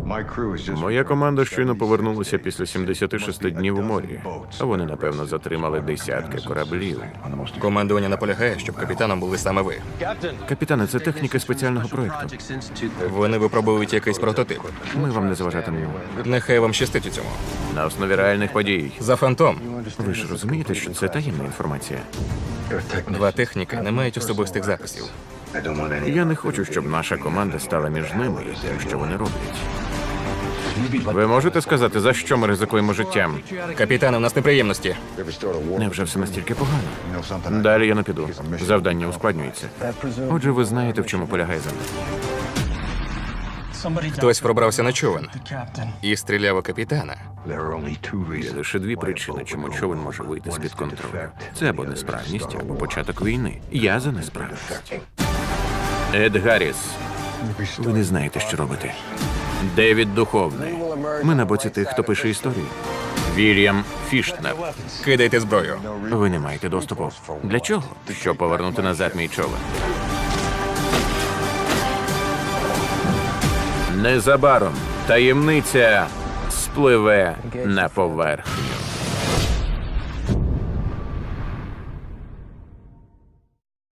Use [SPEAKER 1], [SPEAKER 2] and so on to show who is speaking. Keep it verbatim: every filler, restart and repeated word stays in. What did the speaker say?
[SPEAKER 1] Моя команда щойно повернулася після сімдесяти шести днів у морі. А вони, напевно, затримали десятки кораблів.
[SPEAKER 2] Командування наполягає, щоб капітаном були саме ви.
[SPEAKER 1] Капітане, це техніки спеціального проєкту.
[SPEAKER 2] Вони випробують якийсь прототип.
[SPEAKER 1] Ми вам не заважатимемо.
[SPEAKER 2] Нехай вам щастить у цьому.
[SPEAKER 1] На основі реальних подій.
[SPEAKER 2] За фантом.
[SPEAKER 1] Ви ж розумієте, що це таємна інформація.
[SPEAKER 2] Два техніки не мають особистих записів.
[SPEAKER 1] Я не хочу, щоб наша команда стала між ними і тим, що вони роблять. Ви можете сказати, за що ми ризикуємо життям?
[SPEAKER 2] Капітане, у нас неприємності.
[SPEAKER 1] Невже все настільки погано? Далі я не піду. Завдання ускладнюється. Отже, ви знаєте, в чому полягає завдання.
[SPEAKER 2] Хтось пробрався на човен і стріляв у капітана.
[SPEAKER 1] Є лише дві причини, чому човен може вийти з-під контролю. Це або несправність, або початок війни. Я за несправність. Ед Гарріс. Ви не знаєте, що робити. Девід Духовний. Ми на боці тих, хто пише історію. Вільям Фіштнер.
[SPEAKER 2] Кидайте зброю.
[SPEAKER 1] Ви не маєте доступу. Для чого? Щоб повернути назад мій човен. Незабаром таємниця спливе на поверхню.